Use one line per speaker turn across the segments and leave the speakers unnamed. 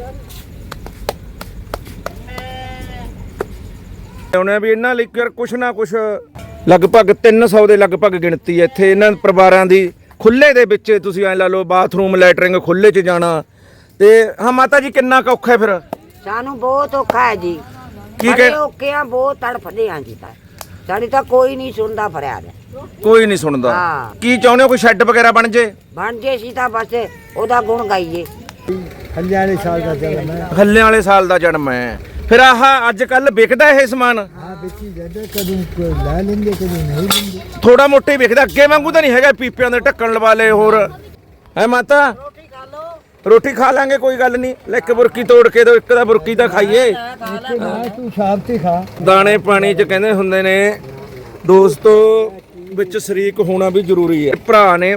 ਉਹਨੇ ਵੀ ਇਹਨਾਂ ਲਈ ਕੁਛ ਨਾ ਕੁਛ ਲਗਭਗ 300 ਦੇ ਲਗਭਗ ਗਿਣਤੀ ਹੈ ਇੱਥੇ ਇਹਨਾਂ ਪਰਿਵਾਰਾਂ ਦੀ। ਖੁੱਲੇ ਦੇ ਵਿੱਚ ਤੁਸੀਂ ਐ ਲਾ ਲਓ ਬਾਥਰੂਮ ਲੈਟਰਿੰਗ ਖੁੱਲੇ 'ਚ ਜਾਣਾ। ਤੇ ਹਾਂ ਮਾਤਾ ਜੀ ਕਿੰਨਾ ਕੁ ਔਖਾ ਹੈ ਫਿਰ?
ਸਾਨੂੰ ਬਹੁਤ ਔਖਾ ਹੈ ਜੀ।
ਕੀ ਕਹਿ
ਔਖੇ ਆ, ਬਹੁਤ ਤੜਫਦੇ ਆ ਜੀ। ਸਾਡੀ ਤਾਂ ਕੋਈ ਨਹੀਂ ਸੁਣਦਾ ਫਰਿਆਦ।
ਕੋਈ ਨਹੀਂ ਸੁਣਦਾ।
ਹਾਂ।
ਕੀ ਚਾਹੁੰਦੇ ਹੋ ਕੋਈ ਸ਼ੈੱਡ ਵਗੈਰਾ ਬਣ ਜੇ?
ਬਣ ਜੇ ਸੀ ਤਾਂ ਬਸ ਉਹਦਾ ਗੁਣ ਗਾਈਏ।
ਹੱਲਿਆਂ ਵਾਲੇ ਸਾਲ ਦਾ ਜਨਮ ਹੈ।
ਹੱਲਿਆਂ ਵਾਲੇ ਸਾਲ ਦਾ ਜਨਮ ਹੈ। ਫਿਰ ਆਹ ਅੱਜ ਕੱਲ ਵਿਕਦਾ ਇਹ ਸਮਾਨ?
ਹਾਂ ਵੇਚੀ ਜਾਂਦਾ, ਕਦੋਂ ਲੈ ਲੈਂਦੇ ਕਦੋਂ ਨਹੀਂ ਲੈਂਦੇ।
ਥੋੜਾ ਮੋਟਾ ਹੀ ਵਿਕਦਾ, ਅੱਗੇ ਵਾਂਗੂ ਤਾਂ ਨਹੀਂ ਹੈਗਾ ਪੀਪਿਆਂ ਦੇ ਢੱਕਣ ਲਵਾ ਲਏ। ਹੋਰ ਹੈ ਮਾਤਾ? ਰੋਟੀ ਖਾ ਲਾਂਗੇ, ਕੋਈ ਗੱਲ ਨਹੀਂ। ਲੈ ਇੱਕ ਬੁਰਕੀ ਤੋੜ ਕੇ ਦੋ, ਇੱਕ ਦਾ ਬੁਰਕੀ ਤਾਂ ਖਾਈਏ।
ਤੂੰ ਸ਼ਾਮ ਤੇ ਖਾ।
ਦਾਣੇ ਪਾਣੀ 'ਚ ਕਹਿੰਦੇ ਹੁੰਦੇ ਨੇ ਦੋਸਤੋ, ਵਿੱਚ ਸ਼ਰੀਕ ਹੋਣਾ ਵੀ ਜ਼ਰੂਰੀ ਹੈ। ਭਰਾ ਨੇ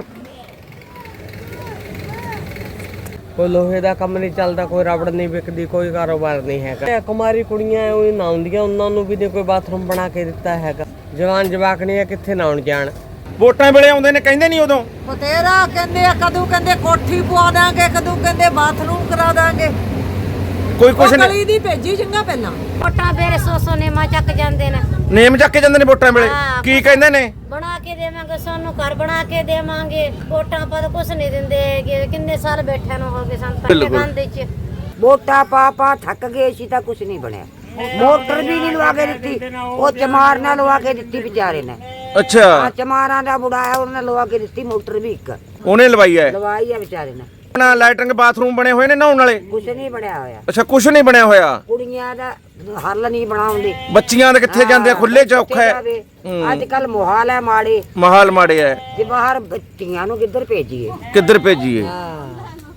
ਕੋਈ ਲੋਹੇ ਦਾ ਕੰਮ ਨਹੀਂ ਚੱਲਦਾ, ਕੋਈ ਰਬੜ ਨਹੀਂ ਵਿਕਦੀ, ਕੋਈ ਕਾਰੋਬਾਰ ਨਹੀਂ ਹੈਗਾ। ਕੁਮਾਰੀ ਕੁੜੀਆਂ ਉਹ ਨਹਾਉਂਦੀਆਂ, ਉਹਨਾਂ ਨੂੰ ਵੀ ਨਹੀਂ ਕੋਈ ਬਾਥਰੂਮ ਬਣਾ ਕੇ ਦਿੱਤਾ ਹੈਗਾ। ਜਵਾਨ ਜਵਾਕਣੀਆਂ ਕਿੱਥੇ ਨਹਾਉਣ ਜਾਣ?
ਵੋਟਾਂ ਵੇਲੇ ਆਉਂਦੇ ਨੇ, ਕਹਿੰਦੇ ਨਹੀਂ ਉਦੋਂ?
ਬਤੇਰਾ ਕਹਿੰਦੇ ਆ, ਕਦੋਂ ਕਹਿੰਦੇ ਕੋਠੀ ਪਵਾ ਦਾਂਗੇ, ਕਦੋਂ ਕਹਿੰਦੇ ਬਾਥਰੂਮ ਕਰਾ ਦਾਂਗੇ।
ਕੋਈ ਕੁਛ ਨਹੀਂ।
ਗਲੀ ਦੀ ਭੇਜੀ ਚੰਗਾ ਪਹਿਲਾਂ।
ਵੋਟਾਂ ਵੇਲੇ ਸੋਸੋ ਨੇਮਾ ਚੱਕ ਜਾਂਦੇ ਨੇ।
ਨੇਮ ਚੱਕ ਕੇ ਜਾਂਦੇ ਨੇ ਵੋਟਾਂ ਵੇਲੇ? ਕੀ ਕਹਿੰਦੇ ਨੇ?
ਬਣਾ ਕੇ ਦੇਵਾਂਗੇ, ਸਾਨੂੰ ਘਰ ਬਣਾ ਕੇ ਦੇਵਾਂਗੇ। ਵੋਟਾਂ ਪਾ ਤਾਂ ਕੁਛ ਨਹੀਂ ਦਿੰਦੇ ਹੈਗੇ। ਕਿੰਨੇ ਸਾਲ ਬੈਠਿਆਂ ਨੂੰ ਹੋ ਗਏ ਸਾਨੂੰ ਤਾਂ ਗੰਦ ਚ।
ਵੋਟਾਂ ਪਾ ਥੱਕ ਗਏ ਸੀ ਤਾਂ ਕੁਛ ਨਹੀਂ ਬਣਿਆ। ਮੋਟਰ ਵੀ ਨਹੀਂ ਲਵਾ ਕੇ ਦਿੱਤੀ, ਉਹ ਚਮਾਰ ਨਾਲ ਲਵਾ ਕੇ ਦਿੱਤੀ ਵਿਚਾਰੇ ਨੇ।
ਅੱਛਾ,
ਚਮਾਰਾਂ ਦਾ ਬੁੜਾ ਹੈ, ਉਹਨੇ ਲਵਾ ਕੇ ਦਿੱਤੀ ਮੋਟਰ ਵੀ। ਇੱਕ
ਉਹਨੇ ਲਵਾਈ ਹੈ?
ਲਵਾਈ ਹੈ ਵਿਚਾਰੇ ਨੇ।
ਆਪਣਾ ਲੈਟਰਿੰਗ ਬਾਥਰੂਮ ਬਣੇ ਹੋਏ ਨੇ ਨਹਾਉਣ ਵਾਲੇ?
ਕੁਛ ਨਹੀਂ ਬਣਿਆ ਹੋਇਆ।
ਅੱਛਾ, ਕੁਛ ਨਹੀਂ ਬਣਿਆ ਹੋਇਆ।
ਕੁੜੀਆਂ ਦਾ ਹੱਲ ਨਹੀਂ ਬਣਾਉਂਦੇ।
ਬੱਚੀਆਂ ਦੇ ਕਿੱਥੇ ਜਾਂਦੇ ਆ? ਖੁੱਲੇ 'ਚ ਔਖਾ ਹੈ।
ਅੱਜ ਕੱਲ ਮੁਹਾਲ ਹੈ, ਮਾੜੇ
ਮਾਹੌਲ ਮਾੜੇ ਹੈ।
ਜੇ ਬਾਹਰ ਬੱਚੀਆਂ ਨੂੰ ਕਿੱਧਰ ਭੇਜੀਏ?
ਕਿੱਧਰ ਭੇਜੀਏ?
ਹਾਂ।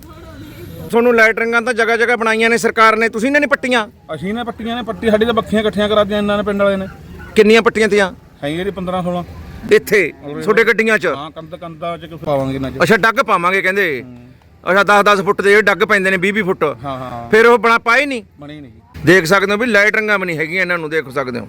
ਤੁਹਾਨੂੰ ਲੈਟਰਿੰਗਾਂ ਤਾਂ ਜਗ੍ਹਾ ਜਗ੍ਹਾ ਬਣਾਈਆਂ ਨੇ ਸਰਕਾਰ ਨੇ, ਤੁਸੀਂ ਨੇ ਨਹੀਂ ਪੱਟੀਆਂ?
ਅਸੀਂ ਨੇ ਪੱਟੀਆਂ ਨੇ। ਪੱਟੀ ਸਾਡੀ ਤਾਂ ਬੱਖੀਆਂ ਇਕੱਠੀਆਂ ਕਰਾ ਦਿੱਤੀਆਂ ਇਹਨਾਂ ਨੇ, ਪਿੰਡ ਵਾਲੇ ਨੇ।
ਕਿੰਨੀਆਂ ਪੱਟੀਆਂ ਤੀਆਂ?
ਹੈਗੇ ਜੀ 15-16।
ਇੱਥੇ ਤੁਹਾਡੇ ਗੱਡੀਆਂ 'ਚ?
ਹਾਂ, ਕੰਦਾ ਚ ਪਾਵਾਂਗੇ ਨਾ।
ਅੱਛਾ, ਡੱਗ ਪਾਵਾਂਗੇ ਕਹਿੰਦੇ। ਅੱਛਾ, 10-10 ਫੁੱਟ ਦੇ ਡੱਗ ਪੈਂਦੇ ਨੇ, 20-20 ਫੁੱਟ।
ਹਾਂ ਹਾਂ,
ਫਿਰ ਉਹ ਬਣਾ ਪਾਏ ਨਹੀਂ?
ਬਣੀ ਨਹੀਂ।
ਦੇਖ ਸਕਦੇ ਹੋ ਵੀ ਲੈਟਰਿੰਗਾਂ ਵੀ ਨਹੀਂ ਹੈਗੀਆਂ ਇਹਨਾਂ ਨੂੰ, ਦੇਖ ਸਕਦੇ ਹੋ।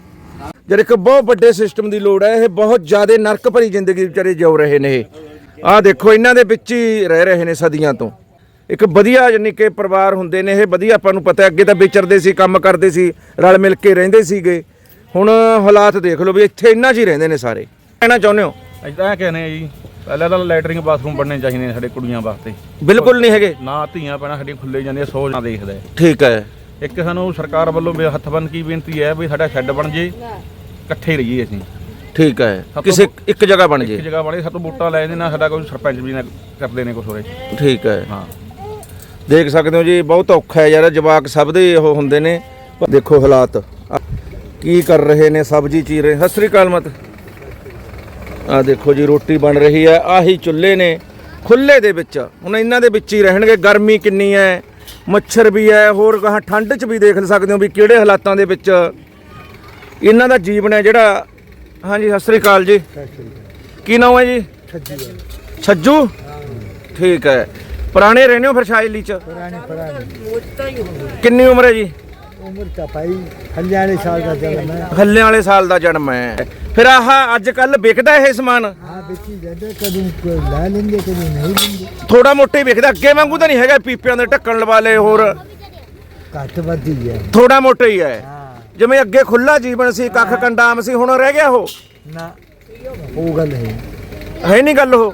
ਜਦ ਇੱਕ ਬਹੁਤ ਵੱਡੇ ਸਿਸਟਮ ਦੀ ਲੋੜ ਹੈ। ਇਹ ਬਹੁਤ ਜ਼ਿਆਦਾ ਨਰਕ ਭਰੀ ਜ਼ਿੰਦਗੀ ਵਿਚਾਰੇ ਜਿਉ ਰਹੇ ਨੇ। ਇਹ ਆਹ ਦੇਖੋ, ਇਹਨਾਂ ਦੇ ਵਿੱਚ ਹੀ ਰਹਿ ਰਹੇ ਨੇ ਸਦੀਆਂ ਤੋਂ। ਇੱਕ ਵਧੀਆ ਯਾਨੀ ਕਿ ਪਰਿਵਾਰ ਹੁੰਦੇ ਨੇ ਇਹ, ਵਧੀਆ। ਆਪਾਂ ਨੂੰ ਪਤਾ ਅੱਗੇ ਤਾਂ ਵਿਚਰਦੇ ਸੀ, ਕੰਮ ਕਰਦੇ ਸੀ, ਰਲ ਮਿਲ ਕੇ ਰਹਿੰਦੇ ਸੀਗੇ। ਹੁਣ ਹਾਲਾਤ ਦੇਖ ਲਓ ਵੀ ਇੱਥੇ ਇੰਨਾ 'ਚ ਹੀ ਰਹਿੰਦੇ ਨੇ ਸਾਰੇ। ਕਹਿਣਾ ਚਾਹੁੰਦੇ ਹੋ?
ਅਸੀਂ ਤਾਂ ਇਹ ਕਹਿੰਦੇ ਆ ਜੀ, ਪਹਿਲਾਂ ਤਾਂ ਲੈਟਰਿੰਗ ਬਾਥਰੂਮ ਬਣਨੇ ਚਾਹੀਦੇ ਨੇ ਸਾਡੇ ਕੁੜੀਆਂ ਵਾਸਤੇ।
ਬਿਲਕੁਲ ਨਹੀਂ ਹੈਗੇ
ਨਾ ਧੀਆਂ ਪੈਣਾ ਸਾਡੀਆਂ ਖੁੱਲੇ ਜਾਂਦੀਆਂ, ਸੋਚ ਨਾ ਦੇਖਦਾ।
ਠੀਕ ਹੈ।
ਇੱਕ ਸਾਨੂੰ ਸਰਕਾਰ ਵੱਲੋਂ ਹੱਥ ਬੰਨ ਕੀ ਬੇਨਤੀ ਹੈ ਵੀ ਸਾਡਾ ਸ਼ੈੱਡ ਬਣ ਜੇ, ਇਕੱਠੇ ਰਹੀਏ ਅਸੀਂ।
ਠੀਕ ਹੈ, ਕਿਸੇ ਇੱਕ ਜਗ੍ਹਾ ਬਣ ਜੇ।
ਇੱਕ ਜਗ੍ਹਾ ਬਣੇ, ਸਾਤੋਂ ਵੋਟਾਂ ਲੈ ਜਾਂਦੇ ਨਾ, ਸਾਡਾ ਕੋਈ ਸਰਪੰਚ ਵੀ ਨਾ ਕਰਦੇ ਨੇ ਕੁਛ ਹੋਰੇ।
ਠੀਕ ਹੈ।
ਹਾਂ,
ਦੇਖ ਸਕਦੇ ਹੋ ਜੀ, ਬਹੁਤ ਔਖਾ ਹੈ ਯਾਰ। ਜਵਾਕ ਸਭ ਦੇ ਉਹ ਹੁੰਦੇ ਨੇ। ਦੇਖੋ ਹਾਲਾਤ ਕੀ ਕਰ ਰਹੇ ਨੇ, ਸਬਜ਼ੀ ਚੀਰ ਰਹੇ। ਸਤਿ ਸ੍ਰੀ ਅਕਾਲ ਮਤ। ਆ ਦੇਖੋ ਜੀ, ਰੋਟੀ ਬਣ ਰਹੀ ਹੈ। ਆਹੀ ਚੁੱਲ੍ਹੇ ਨੇ ਖੁੱਲੇ ਦੇ ਵਿੱਚ। ਹੁਣ ਇਹਨਾਂ ਦੇ ਵਿੱਚ ਹੀ ਰਹਿਣਗੇ। ਗਰਮੀ ਕਿੰਨੀ ਹੈ, ਮੱਛਰ ਵੀ ਹੈ। ਹੋਰ ਗਾਹਾਂ ਠੰਡ 'ਚ ਵੀ ਦੇਖ ਸਕਦੇ ਹੋ ਵੀ ਕਿਹੜੇ ਹਾਲਾਤਾਂ ਦੇ ਵਿੱਚ ਇਹਨਾਂ ਦਾ ਜੀਵਨ ਹੈ ਜਿਹੜਾ। ਹਾਂਜੀ, ਸਤਿ ਸ੍ਰੀ ਅਕਾਲ ਜੀ। ਕੀ ਨਾਮ ਹੈ ਜੀ? ਛੱਜੂ। ਠੀਕ ਹੈ। ਪੁਰਾਣੇ ਰਹਿੰਦੇ ਹੋ ਫਿਰ ਸ਼ਾਇਲੀ 'ਚ? ਕਿੰਨੀ ਉਮਰ ਹੈ ਜੀ?
ਉਮਰ ਤਾਂ ਭਾਈ ਹੱਲਿਆਂ ਵਾਲੇ ਸਾਲ ਦਾ ਜਨਮ ਹੈ।
ਹੱਲਿਆਂ ਵਾਲੇ ਸਾਲ ਦਾ ਜਨਮ ਹੈ। ਫਿਰ ਆਹ ਅੱਜ ਕੱਲ ਵਿਕਦਾ ਇਹ ਸਮਾਨ?
ਹਾਂ ਵੇਚੀ ਜਾਂਦਾ, ਕਦੋਂ ਲੈ ਲੈਂਦੇ ਕਦੋਂ ਨਹੀਂ ਲੈਂਦੇ।
ਥੋੜਾ ਮੋਟਾ ਹੀ ਵਿਕਦਾ, ਅੱਗੇ ਵਾਂਗੂ ਤਾਂ ਨਹੀਂ ਹੈਗਾ ਪੀਪਿਆਂ ਦੇ ਢੱਕਣ ਲਵਾ ਲਏ। ਹੋਰ
ਘੱਟ ਵੱਧ ਹੀ ਹੈ।
ਥੋੜਾ ਮੋਟਾ ਹੀ ਹੈ।
ਹਾਂ
ਜਿਵੇਂ ਅੱਗੇ ਖੁੱਲਾ ਜੀਵਨ ਸੀ, ਕੱਖ ਕੰਡਾਮ ਸੀ, ਹੁਣ ਰਹਿ ਗਿਆ ਉਹ?
ਨਾ, ਉਹ ਗੱਲ ਹੈ
ਨਹੀਂ ਗੱਲ। ਉਹ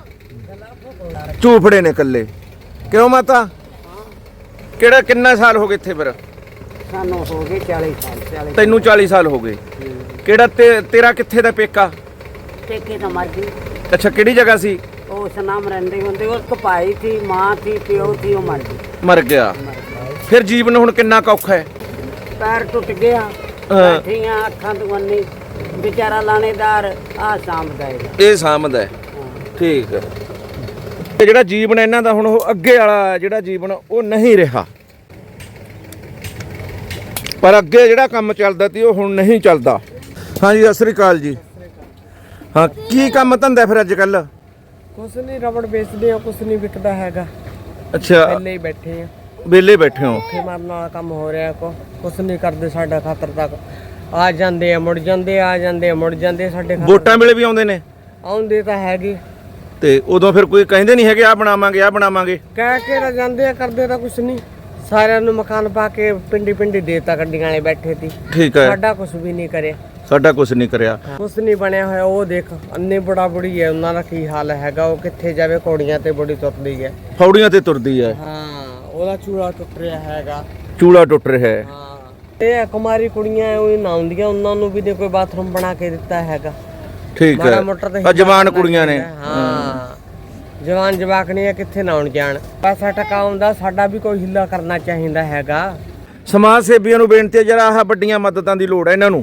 ਝੂਫੜੇ ਨੇ ਇਕੱਲੇ। ਕਿਉਂ ਮਾਤਾ? ਕਿਹੜਾ ਕਿੰਨਾ ਸਾਲ ਹੋ ਗਏ ਇੱਥੇ ਫਿਰ?
ਸਾਨੂੰ ਹੋ ਗਏ 40 ਸਾਲ।
ਤੈਨੂੰ 40 ਸਾਲ ਹੋ ਗਏ। ਕਿਹੜਾ ਤੇਰਾ ਕਿੱਥੇ ਦਾ ਪੇਕਾ?
ਟੇਕੇ ਤਾਂ ਮਰ ਗਈ।
ਅੱਛਾ, ਕਿਹੜੀ ਜਗ੍ਹਾ ਸੀ?
ਉਸ ਨਾਮ ਰਹਿੰਦੇ ਹੁੰਦੇ। ਉਸ ਕੋ ਭਾਈ ਸੀ, ਮਾਂ ਸੀ, ਪਿਓ ਸੀ, ਉਹ ਮਰ ਗਈ।
ਮਰ ਗਿਆ। ਫਿਰ ਜੀਵਨ ਹੁਣ ਕਿੰਨਾ ਕੁ ਔਖਾ ਹੈ?
ਪੈਰ ਟੁੱਟ ਗਿਆ, ਬੈਠੀਆਂ ਅੱਖਾਂ ਤੋਂ ਅੰਨੀ। ਵਿਚਾਰਾ ਲਾਣੇਦਾਰ ਆ ਸਾਂਭਦਾ ਹੈ।
ਇਹ ਸਾਂਭਦਾ ਹੈ। ਠੀਕ ਹੈ। ਤੇ ਜਿਹੜਾ ਜੀਵਨ ਇਹਨਾਂ ਦਾ ਹੁਣ, ਉਹ ਅੱਗੇ ਵਾਲਾ ਜਿਹੜਾ ਜੀਵਨ ਉਹ ਨਹੀਂ ਰਿਹਾ। ਪਰ ਅੱਗੇ ਜਿਹੜਾ ਕੰਮ ਚੱਲਦਾ ਸੀ ਉਹ ਹੁਣ ਨਹੀਂ ਚੱਲਦਾ। ਹਾਂਜੀ, ਸਤਿ ਸ੍ਰੀ ਅਕਾਲ ਜੀ। ਹਾਂ, ਕੀ ਕੰਮ ਧੰਦਾ ਫਿਰ ਅੱਜ ਕੱਲ?
ਕੁਛ ਨਹੀਂ, ਰਬੜ ਵੇਚਦੇ ਆ, ਕੁਛ ਨਹੀਂ ਵਿਕਦਾ ਹੈਗਾ।
ਅੱਛਾ,
ਪਹਿਲੇ ਹੀ ਬੈਠੇ ਆ,
ਵਿਹਲੇ ਬੈਠੇ ਹੋ?
ਭੁੱਖੇ ਮਰਨ ਵਾਲਾ ਕੰਮ ਹੋ ਰਿਹਾ। ਕੁਛ ਨਹੀਂ ਕਰਦੇ ਸਾਡਾ ਖਾਤਰ ਤੱਕ। ਆ ਜਾਂਦੇ ਆ, ਮੁੜ ਜਾਂਦੇ, ਆ ਜਾਂਦੇ ਆ, ਮੁੜ ਜਾਂਦੇ। ਸਾਡੇ
ਵੋਟਾਂ ਵੇਲੇ ਵੀ ਆਉਂਦੇ ਨੇ?
ਆਉਂਦੇ ਤਾਂ ਹੈਗੇ।
ਤੇ ਉਦੋਂ ਫਿਰ ਕੋਈ ਕਹਿੰਦੇ ਨਹੀਂ ਹੈਗੇ ਆ ਬਣਾਵਾਂਗੇ, ਆ ਬਣਾਵਾਂਗੇ?
ਕਹਿ ਕੇ ਤਾਂ ਜਾਂਦੇ ਆ, ਕਰਦੇ ਤਾਂ ਕੁਛ ਨਹੀਂ। ਸਾਰਿਆਂ ਨੂੰ ਮਕਾਨ ਪਾ ਕੇ ਪਿੰਡੀ ਪਿੰਡੀ ਦੇਤਾ, ਗੱਡੀਆਂ ਵਾਲੇ ਬੈਠੇ ਸੀ।
ਠੀਕ ਹੈ,
ਸਾਡਾ ਕੁਝ ਵੀ ਨਹੀਂ ਕਰਿਆ,
ਸਾਡਾ ਕੁਝ ਨਹੀਂ ਕਰਿਆ।
ਕੁਝ ਨਹੀਂ ਬਣਿਆ ਹੋਇਆ। ਉਹ ਦੇਖ ਅੰਨੇ ਬੜਾ ਬੁੜੀ ਹੈ, ਉਹਨਾਂ ਦਾ ਕੀ ਹਾਲ ਹੈਗਾ। ਉਹ ਕਿੱਥੇ ਜਾਵੇ, ਘੋੜੀਆਂ ਤੇ ਬੜੀ ਤੁਰਦੀ ਹੈ।
ਫੌੜੀਆਂ ਤੇ ਤੁਰਦੀ ਹੈ।
ਹਾਂ, ਉਹਦਾ ਚੂੜਾ ਟੁੱਟ ਰਿਹਾ ਹੈਗਾ।
ਚੂੜਾ ਟੁੱਟ ਰਿਹਾ ਹੈ।
ਹਾਂ, ਇਹ ਕੁਮਾਰੀ ਕੁੜੀਆਂ ਉਹ ਨਹਾਉਂਦੀਆਂ, ਉਹਨਾਂ ਨੂੰ ਵੀ ਨੇ ਕੋਈ ਬਾਥਰੂਮ ਬਣਾ ਕੇ ਦਿੱਤਾ ਹੈਗਾ।
ਠੀਕ ਹੈ,
ਮਾੜਾ ਮੋਟਾ ਤਾਂ
ਆ ਜਵਾਨ ਕੁੜੀਆਂ ਨੇ।
ਹਾਂ, ਜਵਾਨ ਜਵਾਕਣੀਆਂ ਕਿੱਥੇ ਨਾਉਣ ਜਾਣ। ਪੈਸਾ ਟਕਾ ਆਉਂਦਾ, ਸਾਡਾ ਵੀ ਕੋਈ ਹਿੱਲਾ ਕਰਨਾ ਚਾਹੀਦਾ ਹੈਗਾ।
ਸਮਾਜ ਸੇਵੀਆਂ ਨੂੰ ਬੇਨਤੀ ਹੈ, ਜਰਾ ਆਹ ਵੱਡੀਆਂ ਮਦਦਾਂ ਦੀ ਲੋੜ ਹੈ ਇਹਨਾਂ ਨੂੰ।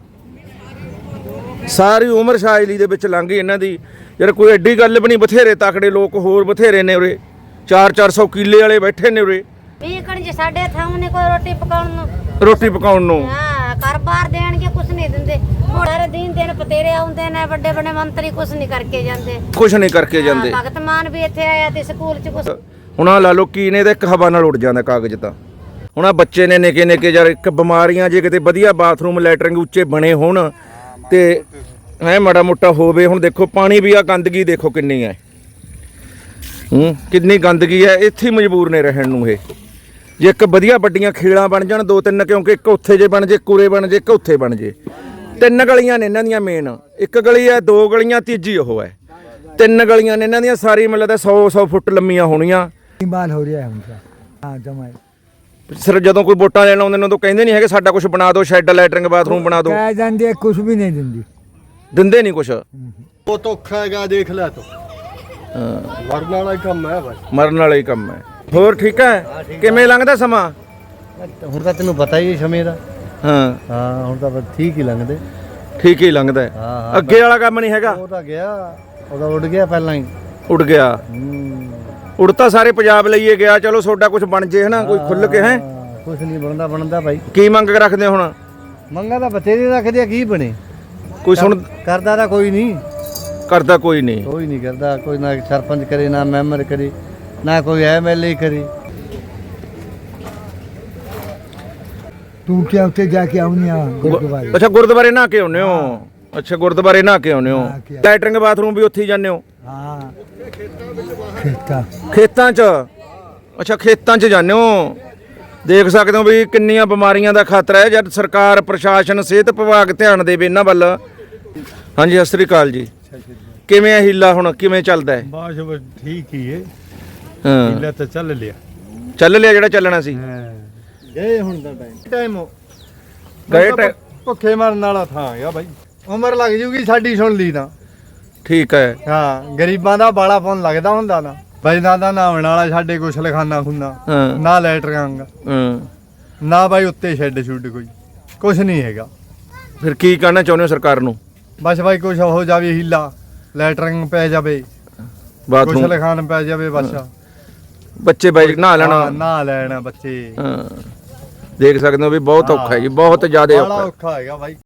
ਸਾਰੀ ਉਮਰ ਸ਼ਾਇਲੀ ਦੇ ਵਿੱਚ ਲੰਘ ਗਈ ਇਹਨਾਂ ਦੀ। ਯਾਰ ਕੋਈ ਐਡੀ ਗੱਲ ਵੀ ਨਹੀਂ, ਬਥੇਰੇ ਤਕੜੇ ਲੋਕ ਹੋਰ ਬਥੇਰੇ ਨੇ ਉਰੇ। 400 ਕਿੱਲੇ ਵਾਲੇ ਬੈਠੇ ਨੇ ਉਰੇ
ਵੀ ਕਣ ਜੇ ਸਾਡੇ ਥਾਂ ਕੋਈ ਰੋਟੀ ਪਕਾਉਣ ਨੂੰ,
ਰੋਟੀ ਪਕਾਉਣ ਨੂੰ।
ਹਾਂ ਘਰ-ਬਾਰ ਦੇਣਗੇ, ਕੁਛ ਨਹੀਂ ਦਿੰਦੇ। ਸਾਰੇ ਦਿਨ ਪਤੇਰੇ ਆਉਂਦੇ ਨੇ, ਵੱਡੇ ਵੱਡੇ ਮੰਤਰੀ ਕੁਛ ਨਹੀਂ ਕਰਕੇ ਜਾਂਦੇ,
ਕੁਛ ਨਹੀਂ ਕਰਕੇ ਜਾਂਦੇ।
ਭਗਤ ਮਾਨ ਵੀ ਇੱਥੇ ਆਇਆ ਤੇ ਸਕੂਲ ਚ ਕੁਛ।
ਹੁਣ ਆਹ ਲਾ ਲਓ ਕੀ ਨੇ, ਤਾਂ ਇੱਕ ਹਵਾ ਨਾਲ ਉੱਡ ਜਾਂਦਾ ਕਾਗਜ਼ ਤਾਂ। ਹੁਣ ਆ ਬੱਚੇ ਨੇ ਨਿੱਕੇ ਨਿੱਕੇ ਯਾਰ, ਇੱਕ ਬਿਮਾਰੀਆਂ ਜੇ ਕਿਤੇ ਵਧੀਆ ਬਾਥਰੂਮ ਲੈਟਰਿੰਗ ਉੱਚੇ ਬਣੇ ਹੋਣ ਤੇ ਹੈ ਮਾੜਾ ਮੋਟਾ ਹੋਵੇ। ਹੁਣ ਦੇਖੋ ਪਾਣੀ ਵੀ, ਆ ਗੰਦਗੀ ਦੇਖੋ ਕਿੰਨੀ ਹੈ। ਕਿੰਨੀ ਗੰਦਗੀ ਹੈ। ਇੱਥੇ ਹੀ ਮਜਬੂਰ ਨੇ ਰਹਿਣ ਨੂੰ ਇਹ। ਜੇ ਇੱਕ ਵਧੀਆ ਵੱਡੀਆਂ ਖੇਲਾਂ ਬਣ ਜਾਣ 2-3, ਕਿਉਂਕਿ ਇੱਕ ਉੱਥੇ ਜੇ ਬਣ ਜੇ, ਕੁਰੇ ਬਣ ਜੇ, ਇੱਕ ਉੱਥੇ ਬਣ ਜੇ। 3 ਗਲੀਆਂ ਨੇ ਇਹਨਾਂ ਦੀਆਂ ਮੇਨ, ਇੱਕ ਗਲੀ ਹੈ, 2 ਗਲੀਆਂ, ਤੀਜੀ ਉਹ ਹੈ। 3 ਗਲੀਆਂ ਨੇ ਇਹਨਾਂ ਦੀਆਂ, ਸਾਰੀ ਮਤਲਬ 100 ਫੁੱਟ ਲੰਮੀਆਂ ਹੋਣੀਆਂ।
बाल हो रहा है उनका। हाँ जमाई
ਸਿਰ ਜਦੋਂ ਕੋਈ ਵੋਟਾਂ ਲੈਣ ਆਉਂਦੇ ਨੇ ਉਦੋਂ ਕਹਿੰਦੇ ਨਹੀਂ ਹੈਗੇ ਸਾਡਾ ਕੁਝ ਬਣਾ ਦਿਓ, ਸ਼ੈੱਡ ਲੈਟਰਿੰਗ ਬਾਥਰੂਮ ਬਣਾ ਦਿਓ।
कह जाती है कुछ भी नहीं दिंदी।
ਦਿੰਦੇ ਨਹੀਂ ਕੁਛ।
ਉਹ ਧੋਖਾ ਹੈਗਾ, ਦੇਖ ਲੈ ਤੂੰ। ਮਰਨ ਵਾਲਾ ਹੀ ਕੰਮ ਹੈ ਬਸ।
ਮਰਨ ਵਾਲਾ ਹੀ ਕੰਮ ਹੈ। ਹੋਰ ਠੀਕ ਹੈ, ਕਿਵੇਂ ਲੰਘਦਾ ਸਮਾਂ?
ਹੁਣ ਤਾਂ ਤੈਨੂੰ ਪਤਾ ਹੀ ਹੈ ਸਮੇਂ ਦਾ।
ਹਾਂ
ਹਾਂ, ਹੁਣ ਤਾਂ ਬਸ ਠੀਕ ਹੀ ਲੰਘਦੇ।
ਠੀਕ ਹੀ ਲੰਘਦਾ ਹੈ।
ਹਾਂ,
ਅੱਗੇ ਵਾਲਾ ਕੰਮ ਨਹੀਂ ਹੈਗਾ।
ਉਹ ਤਾਂ ਗਿਆ, ਉਹਦਾ ਉੱਡ ਗਿਆ ਪਹਿਲਾਂ ਹੀ।
ਉੱਡ ਗਿਆ। ਉੱਡ ਤਾਂ ਸਾਰੇ ਪੰਜਾਬ ਲਈਏ ਗਿਆ। ਚਲੋ ਤੁਹਾਡਾ ਕੁਝ ਬਣ ਜੇ ਹਨਾ, ਕੋਈ ਖੁੱਲ ਕੇ ਹੈ।
ਕੁਛ ਨਹੀਂ ਬਣਦਾ ਭਾਈ।
ਕੀ ਮੰਗ ਰੱਖਦੇ ਹੋ ਹੁਣ?
ਮੰਗਾ ਤਾਂ ਬਥੇਰੇ ਰੱਖਦੇ ਆ, ਕੀ ਬਣੇ?
ਕੋਈ ਸੁਣ
ਕਰਦਾ ਤਾਂ ਕੋਈ ਨਹੀਂ।
ਕਰਦਾ ਕੋਈ ਨਹੀਂ।
ਕੋਈ ਨਹੀਂ ਕਰਦਾ, ਕੋਈ ਨਾ ਸਰਪੰਚ ਕਰੇ, ਨਾ ਮੈਂਬਰ ਕਰੇ, ਨਾ ਕੋਈ ਐਮਐਲਏ ਕਰੇ।
तू क्या उठे जाके आऊनी गुरुद्वारे।
ਅੱਛਾ ਗੁਰਦੁਆਰੇ ਨਹਾ ਕੇ ਆਉਂਦੇ ਹੋ? ਅੱਛਾ ਗੁਰਦੁਆਰੇ ਨਹਾ ਕੇ ਆਉਂਦੇ ਹੋ। ਲੈਟਰਿੰਗ ਬਾਥਰੂਮ ਵੀ ਉੱਥੇ ਹੀ ਜਾਂਦੇ ਹੋ?
हाँ खेता
ਖੇਤਾਂ 'ਚ। ਅੱਛਾ ਖੇਤਾਂ 'ਚ ਜਾਂਦੇ ਹੋ। ਦੇਖ ਸਕਦੇ ਹੋ ਵੀ ਕਿੰਨੀਆਂ ਬਿਮਾਰੀਆਂ ਦਾ ਖਤਰਾ ਹੈ। ਜਦ ਸਰਕਾਰ, ਪ੍ਰਸ਼ਾਸਨ, ਸਿਹਤ ਵਿਭਾਗ ਧਿਆਨ ਦੇਵੇ ਇਹਨਾਂ ਵੱਲ। ਹਾਂਜੀ ਸਤਿ ਸ੍ਰੀ ਅਕਾਲ ਜੀ। ਕਿਵੇਂ ਹੈ ਹੀਲਾ ਹੁਣ, ਕਿਵੇਂ ਚੱਲਦਾ ਹੈ?
ਬਸ ਠੀਕ ਹੀ ਹੈ।
ਹਾਂ
ਹੀਲਾ ਤਾਂ ਚੱਲ ਲਿਆ।
ਚੱਲ ਲਿਆ ਜਿਹੜਾ ਚੱਲਣਾ ਸੀ।
ਗਏ ਹੁਣ ਦਾ ਟਾਈਮ
ਗਏ
ਭੁੱਖੇ ਮਰਨ ਵਾਲਾ ਥਾਂ ਹੈਗਾ ਬਾਈ। ਉਮਰ ਲੱਗ ਜੂਗੀ ਸਾਡੀ, ਸੁਣ ਲਈ ਤਾਂ।
ਠੀਕ ਹੈ।
ਹਾਂ, ਗਰੀਬਾਂ ਦਾ ਬਾਲਾ ਫੋਨ ਲੱਗਦਾ ਹੁੰਦਾ ਨਾ ਬਾਈ। ਨਾ ਤਾਂ ਨਹਾਉਣ ਵਾਲਾ ਸਾਡੇ ਕੁਛ ਲਖਾਨਾ ਖੁੰਨਾ,
ਹਾਂ
ਨਾ ਲੈਟਰਿੰਗ,
ਹਾਂ।
ਨਾ ਬਾਈ ਉੱਤੇ ਸ਼ੈੱਡ ਸ਼ੁੱਡ, ਕੋਈ ਕੁਛ ਨਹੀਂ ਹੈਗਾ।
ਫਿਰ ਕੀ ਕਹਿਣਾ ਚਾਹੁੰਦੇ ਹੋ ਸਰਕਾਰ ਨੂੰ?
ਬਸ ਬਾਈ ਕੁਛ ਹੋ ਜਾਵੇ, ਹੀਲਾ ਲੈਟਰਿੰਗ ਪੈ ਜਾਵੇ, ਕੁਛ
ਬਾਥਰੂਮ,
ਲਖਾਨ ਪੈ ਜਾਵੇ ਬਸ।
ਬੱਚੇ ਬਾਈ ਨਹਾ ਲੈਣਾ।
ਹਾਂ, ਨਹਾ ਲੈਣਾ ਬੱਚੇ।
ਹਾਂ ਦੇਖ ਸਕਦੇ ਹੋ ਵੀ ਬਹੁਤ ਔਖਾ ਹੈ ਜੀ, ਬਹੁਤ ਜ਼ਿਆਦਾ
ਬਾਲਾ
ਔਖਾ ਹੈ।
ਔਖਾ ਹੈਗਾ ਬਾਈ।